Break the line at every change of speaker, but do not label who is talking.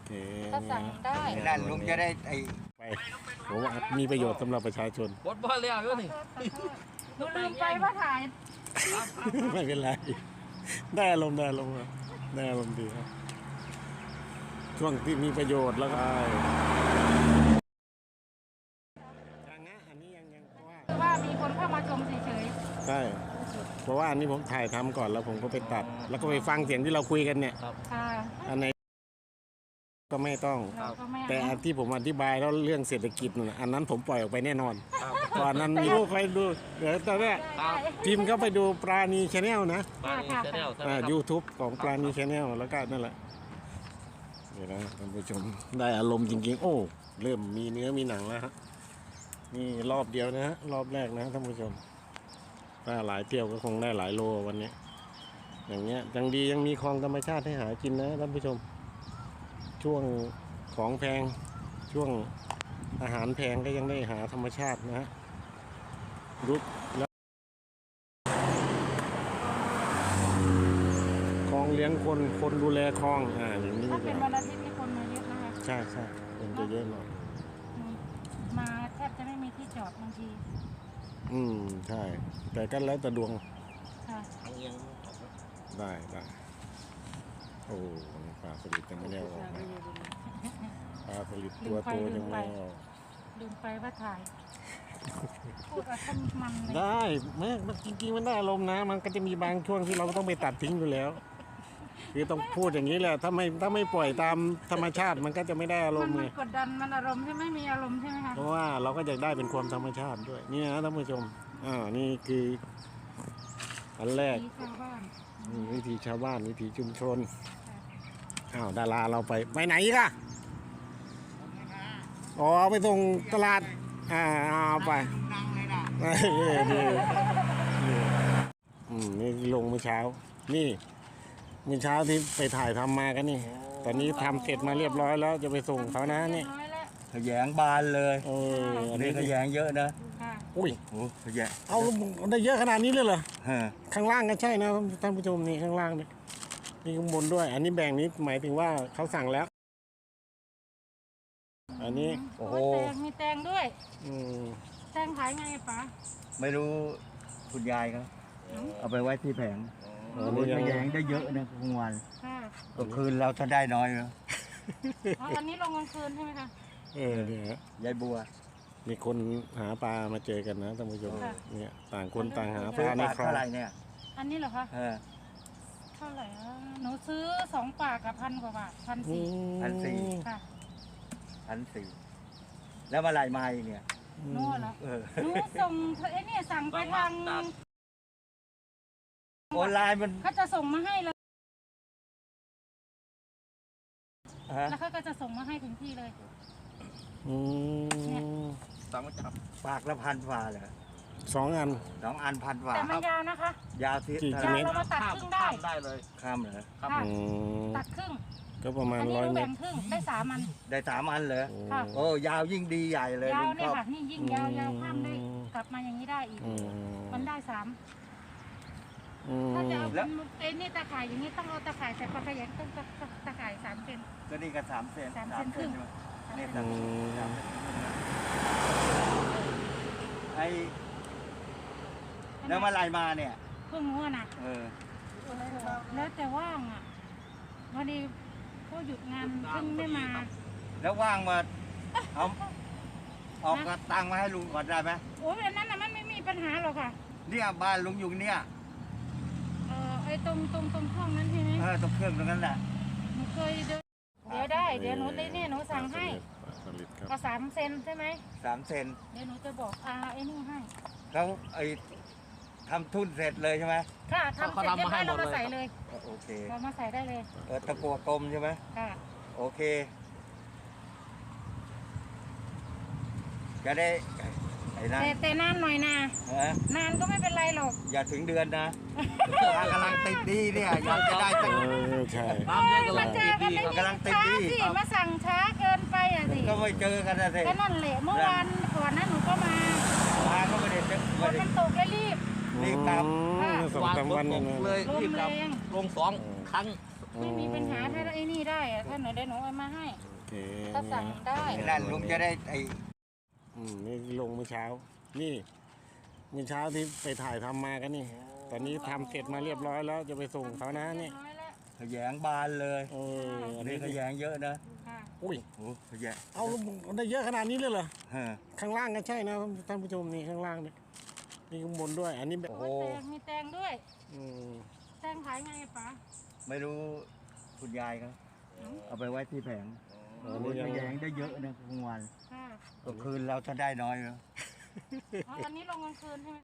ก็สั่งได้
นั่นลุงจะได้
ไปผมว่ามีประโยชน์สำหรับประชาชน
บดบอลแล้วอยู่นี่
หนูลืมไปว่าถ่าย
ไม่เป็นไรได้อารมณ์ดีครับช่วงที่มีประโยชน์แล้วก็อย่างนี้อันนี้ยังเพราะ
ว่ามีคนเข้ามาชมเฉย
ๆใช่เพราะว่าอันนี้ผมถ่ายทำก่อนแล้วผมก็ไปตัด แล้วก็ไปฟังเสียงที่เราคุยกันเนี่ย
ๆค่ะ
อันไหนก็ไม่ต้อง
เราก็ไม่
แต่อันที่ผมอธิบายแล้วเรื่องเศรษฐกิจนั่นน่ะอันนั้นผมปล่อยออกไปแน่นอน
ครับ
ก่อนนั้นมีใครดูเดี๋ยวตอนนี้พิมพ์เข้าไปดูปราณีชาแนลนะ
มาในชาแนลใช่ไหมครับ
YouTube ของปราณีชาแนลแล้วก็นั่นแหละเดี๋ยวนะท่านผู้ชมได้อารมณ์จริงๆโอ้เริ่มมีเนื้อมีหนังแล้วฮะนี่รอบเดียวนะฮะรอบแรกนะท่านผู้ชมถ้าหลายเที่ยวก็คงได้หลายโลวันนี้อย่างเงี้ยยังดียังมีคลองธรรมชาติให้หากินนะท่านผู้ชมช่วงของแพงช่วงอาหารแพงก็ยังได้หาธรรมชาตินะฮะรุดแล้วคลองเลี้ยงคนดูแลคลองอย่างนี้
ถ้าเป็นวันอาทิตย์นี่คนมาเยอะนะคะ
ใช่คนจะเยอะหน่อย
มาแทบจะไม่มีที่จอดบางที
ใช่แต่ก็แล้วแต่ดวง
ค่ะ
ได้โอ้ปลาสลิดยังไม่ได้ออกมาปลาสลิดตัวโตยังไม่ออก
ลืมไปว่าถ่ายพูดอะไรมันเลย
ได้แม่มันจริงๆมันได้อารมณ์นะมันก็จะมีบางช่วงที่เราต้องไปตัดทิ้งอยู่แล้วคือต้องพูดอย่างนี้แหละถ้าไม่ปล่อยตามธรรมชาติมันก็จะไม่ได้อารมณ์
มั
ไง
นกดดันมันอารมณ์ใช่ไหมมีอารมณ์ใช่ไหมคะ
เพราะว่าเราก็อยากได้เป็นความธรรมชาติด้วยนี่นะท่านผู้ชมนี่คืออันแรก
ชาวบ้าน
วิถีชาวบ้านวิถีชุมชนดาราเราไปไหนอีกอะอ๋อไปส่งตลาดเอาไปนี่ลงเมื่อเช้านี่เมื่อเช้าที่ไปถ่ายทำมากันนี่ตอนนี้ทำเสร็จมาเรียบร้อยแล้วจะไปส่งเขานะนี่
น้อยแล้ว
ขยงบานเลย
อัน
นี่
นี้
ขยงเยอะนะ
ค่ะ
อุ้ย
โอ้ขยง
เอาได้เยอะขนาดนี้เลยเหรอ
ฮะ
ข้างล่างก็ใช่นะท่านผู้ชมนี่ข้างล่างนี่นี่ข้างบนด้วย อันนี้แบ่งนี้หมายถึงว่าเขาสั่งแล้ว อันนี้โอ้โห
แตงมีแตงด้วย แตงขายไงป๋า
ไม่รู้คุณยายเขาเอาไปไว้ที่แผง
อันนี้
ข
ยัง
ยงได้เยอะนะกลางวัน
ค่ะ
ก็คืนเราถ้าได้น้อยนะ
อันนี้ลงกลางคืนใช่ไหมคะ
เนี่ยฮะ
ยายบัว
มีคนหาปลามาเจอกันนะท่านผู้ชม
ค่ะ
เนี่ยต่างคนต่างหาป
ซื้อ
ลาใน
ปาก
คลอง
เท่าไหร่เนี่ย
อันนี้เหรอคะ เท่าไหร่หนูซื้อ2 ปากกับ1,000 กว่าบาท1,400ค่ะ
1,400แล้วเมื่อไหร่มาอีกเนี่ย
นู่นเหรอ
เออ
หนูส่งเนี่ยสั่งไปทาง
ออนไลน์มัน
เขาจะส่งมาให้เลย
ฮะ
แล้วเขาก็จะส่งมาให้ถึงที่เลย
สั่งมาจับ
ปากละพันฝ่าเลย
2 อัน
2 อันพันฝ่า
แต่มันยาวนะคะ
ยาวที่
กี่
ยาว
เมตร
เรามาตัดครึ่งได้
ข้ามได้เลย
ข้ามเหรอ
ครับ
ค่ะ
อืม
ตัดครึ่ง
ก็ประมาณ
อันนี้
100
เรา
เม
แบ่
ต
ง
ร
ครึ่งได้3 อัน
ได้3 อันเลย
ค่ะ
โอ้ยาวยิ่งดีใหญ่เลย
ยาว
ลุง
เนี่
ช
ย
อบ
ค่ะนี่ยิ่งยาวข้ามได้กลับมาอย่างนี้ได้อีก มันได้3ถ้าจะเอาเป็นนี่ตะข่ายอย่างนี้ต้องเอาตะข่ายใส่ปลาขยันต้องตะข่าย3 เซน
ก็นี่ก็3 เซน
3 เซนครึ่ง
นี่3 เซนไอ้แล้วเมื่อไหร่มาเนี่ย
เพิ่งรู้นะ
เออ
แล้วแต่ว่างอ่ะพอดีเขาหยุดงานเพิ่งไม่มา
แล้วว่างมาเอาออกกระตังมาให้ลุงก่อนได้ไหม
โอ้ยอันนั้นน่ะมันไม่มีปัญหาหรอกค่ะ
เนี่ยบ้านลุงอยู่เนี่ย
ไอ้ตรงห้องนั้นใช่ไหม
ตรงเครื่องตรงนั้นแหละ
หนูเคยเดินเดี๋ยวได้เดี๋ยวหนูเนี่ยหนูสั่งให้
ปลาสลิดครับ
ก็3 เซนใช่ไหม
3 เซน
เดี๋ยวหนูจะบอกไอ้นี่ให้
แล้วไอ้ทำทุ่นเสร็จเลยใช่ไหม
ค่ะทำเสร็จเรียบร้อยเรามาใส่เลย
โอเค
เรามาใส่ได้เลย
ตะกัวกลมใช่ไหม
ค่ะ
โอเค จะได้ไอ้นั่น
แต่นานหน่อยนะ
ฮะ
นานก็ไม่เป็นไรหรอก
อย่าถึงเดือนนะกำลังติดดีเนี่ยอยากจะได้ตั้ง
ใช่
น้ำเยอะกำลั
มาง เจ
ตี
อกัน
พี่
ไม่
ครับ
กำลังติด
ช้า
ดี
สิมาสั่งช้าเกินไปอ่ะสิ
ก็ไม่เจอกันนะสิ
ก็นั่นแหละเมื่อวานก่อนนั้นหนูก็มา
มาก็ไม่ได้เจอ
ฝ
ไม่
น
ได้
มันตกแล้วรีบ
รีบกลับ
2-3 วัน
ตกเลย
ลม
รีบกลับ
แรง
ลง2 ครั้ง
ไม่มีปัญหาถ้าไอ้นี่ได้อะถ้าหนูได้หนูเอามาให้
โอเค
ถ้าสั่งได้
นั่นลุงจะได้ไอ้
นี่ลงเมื่อเช้า นี่เมื่อเช้าที่ไปถ่ายทำมากันนี่ ตอนนี้ทำเสร็จมาเรียบร้อยแล้วจะไปส่งเขานะนี่
น้อยแล้ว
ขยงบานเลย
อัน
นี่
นี้
ขยงเยอะนะ
ค่ะ
อุ้ย
โอ้ขยง
เอาได้เยอะขนาดนี้เลยเหรอ
ฮะ
ข้างล่างก็ใช่นะท่านผู้ชมนี่ข้างล่างนี่นี่ข้างบนด้วย อันนี้แบบ
โอ้แตงมีแตงด้วย
อืม
แตงขายไงอะป๋า
ไม่รู้คุณยายครับเอาไปไว้ที่แผง
อัน
โอ้
นี้
ย
ยัง
ขยงได้เยอะนะกลางวัน
ค่ะ
กลางคืนเราจะได้น้อยนะ
อ๋ออันนี้ลงกลางคืนใช่ไหม